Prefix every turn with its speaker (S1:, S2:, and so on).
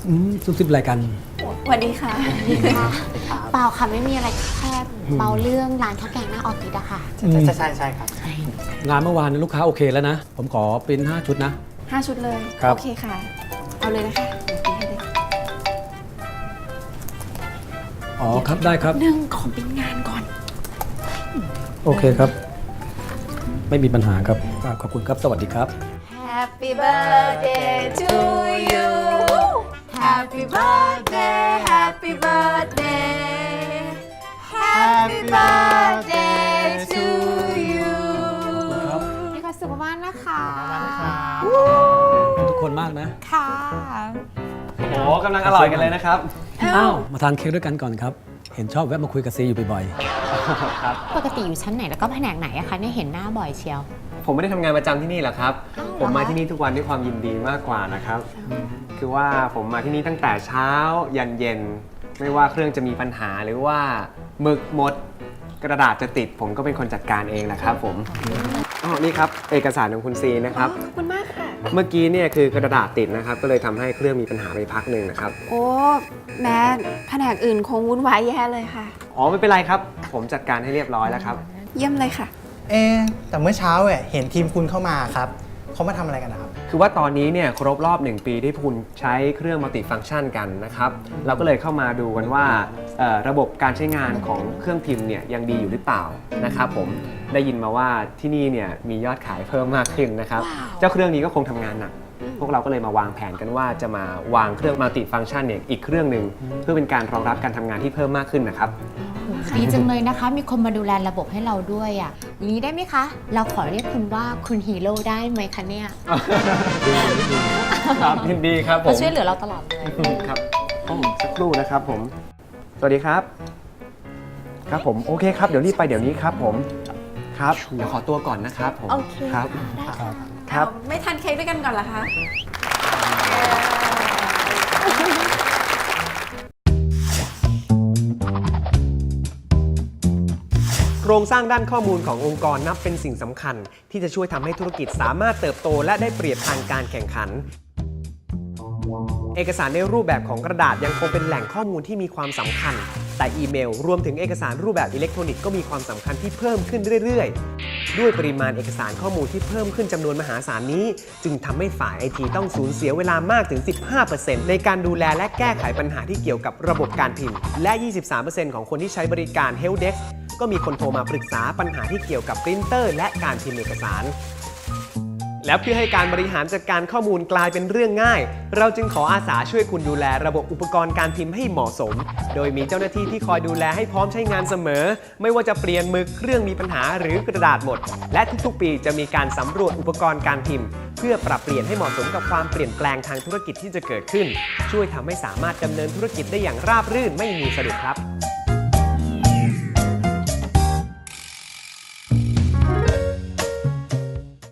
S1: ซุบซิบอะไรกัน
S2: สวัสดีค่ะ
S3: เปล่าค่ะไม่มีอะไรแค่เมาเรื่องร้านข้าวแกงหน้าออฟฟิศอะค่ะ
S4: ใช่ครับ
S1: งานเมื่อวานลูกค้าโอเคแล้วนะ ผมขอปริ้น5 ชุดนะ
S2: 5 ชุดเลย
S1: ครับ
S2: โอเคค่ะ เอาเลยนะคะเดี๋ยวให้เลย
S1: อ๋อครับได้ครับ
S2: หนึ่งขอเป็นงานก่อน
S1: โอเคครับ ไม่มีปัญหาครับขอบคุณครับสวัสดีครับ
S2: Happy birthday to you Happy birthday Happy birthday Happy birthday to you
S3: มีความสุขมากนะคะ
S1: ทุกคนมากนะ
S3: ค่ะ
S4: โอ้กำลังอร่อยกันเลยนะครับ
S1: อ้าวมาทานเค้กด้วยกันก่อนครับ เห็นชอบแวะมาคุยกับซีอยู่บ่อย
S3: ปกติอยู่ชั้นไหนแล้วก็แผนกไหนอะคะเนี่ยเห็นหน้าบ่อยเชียว
S4: ผมไม่ได้ทำงานประจำที่นี่หรอกครับ
S3: อ้าวเหรอ
S4: ผมมาที่นี่ทุกวันด้วยความยินดีมากกว่านะครับ คือว่าผมมาที่นี่ตั้งแต่เช้ายันเย็น ไม่ว่าเครื่องจะมีปัญหาหรือว่าหมึกหมด กระดาษจะติด ผมก็เป็นคนจัดการเองนะครับผมอ๋อนี่ครับเอกสารของคุณซีนะครับ
S2: ขอบคุณมากค่ะ
S4: เมื่อกี้เนี่ยคือกระดาษติดนะครับ ก็เลยทำให้เครื่องมีปัญหาไปพักหนึ่งนะครับ
S2: โอ้แม้แผนกอื่นคงวุ่นวายแย่เลยค่ะ
S4: อ๋อไม่เป็นไรครับ ผมจัดการให้เรียบร้อยแล้วครับ
S2: เยี่ยมเลยค่ะ
S5: แต่เมื่อเช้าเห็นทีมคุณเข้ามาครับเขามาทำอะไรกันนะครับ
S4: คือว่าตอนนี้เนี่ยครบรอบ 1 ปีที่คุณใช้เครื่องมัลติฟังก์ชันกันนะครับ เราก็เลยเข้ามาดูกันว่าระบบการใช้งานของเครื่องพิมพ์เนี่ยยังดีอยู่หรือเปล่านะครับผมได้ยินมาว่าที่นี่เนี่ยมียอดขายเพิ่มมากขึ้นนะครับ เจ้าเครื่องนี้ก็คงทำงานหนัก พวกเราก็เลยมาวางแผนกันว่าจะมาวางเครื่องมัลติฟังก์ชันเนี่ยอีกเครื่องหนึ่งเพื่อเป็นการรองรับการทำงานที่เพิ่มมากขึ้นนะครับ
S3: ดีจังเลยนะคะ มีคนมาดูแลระบบให้เราด้วยอะอย่างนี้ได้ไหมคะ เราขอเรียกคุณว่าคุณฮีโร่ได้ไหมคะเนี่ย
S4: ครับยินดีครับผ
S3: เขา
S4: ม
S3: ช่วยเหลือเราตลอดเลย
S4: ครับสักครู่นะครับผม สวัสดีครับ ครับผมโอเคครับเดี๋ยวรีบไปเดี๋ยวนี้ครับผมครับเดี๋ยวขอตัวก่อนนะครับผม
S2: โอเค
S4: ครับ
S1: ครับ
S4: ครับ
S2: เอาไม่ทานเค้กด้วยกันก่อนเหรอคะ
S4: โครงสร้างด้านข้อมูลขององค์กรนับเป็นสิ่งสำคัญ ที่จะช่วยทำให้ธุรกิจสามารถเติบโตและได้เปรียบทางการแข่งขัน เอกสารในรูปแบบของกระดาษยังคงเป็นแหล่งข้อมูลที่มีความสำคัญ แต่อีเมลรวมถึงเอกสารรูปแบบอิเล็กทรอนิกส์ก็มีความสำคัญที่เพิ่มขึ้นเรื่อยๆ ด้วยปริมาณเอกสารข้อมูลที่เพิ่มขึ้นจำนวนมหาศาลนี้ จึงทำให้ฝ่ายไอทีต้องสูญเสียเวลามากถึง 15% ในการดูแลและแก้ไขปัญหาที่เกี่ยวกับระบบการพิมพ์ และ 23% ของคนที่ใช้บริการ Helpdesk ก็มีคนโทรมาปรึกษาปัญหาที่เกี่ยวกับปรินเตอร์และการพิมพ์เอกสาร และเพื่อให้การบริหารจัดการข้อมูลกลายเป็นเรื่องง่าย เราจึงขออาสาช่วยคุณดูแลระบบอุปกรณ์การพิมพ์ให้เหมาะสม โดยมีเจ้าหน้าที่ที่คอยดูแลให้พร้อมใช้งานเสมอ ไม่ว่าจะเปลี่ยนมือเครื่องมีปัญหาหรือกระดาษหมด และทุกๆปีจะมีการสำรวจอุปกรณ์การพิมพ์ เพื่อปรับเปลี่ยนให้เหมาะสมกับความเปลี่ยนแปลงทางธุรกิจที่จะเกิดขึ้น ช่วยทำให้สามารถดำเนินธุรกิจได้อย่างราบรื่นไม่มีสะดุดครับ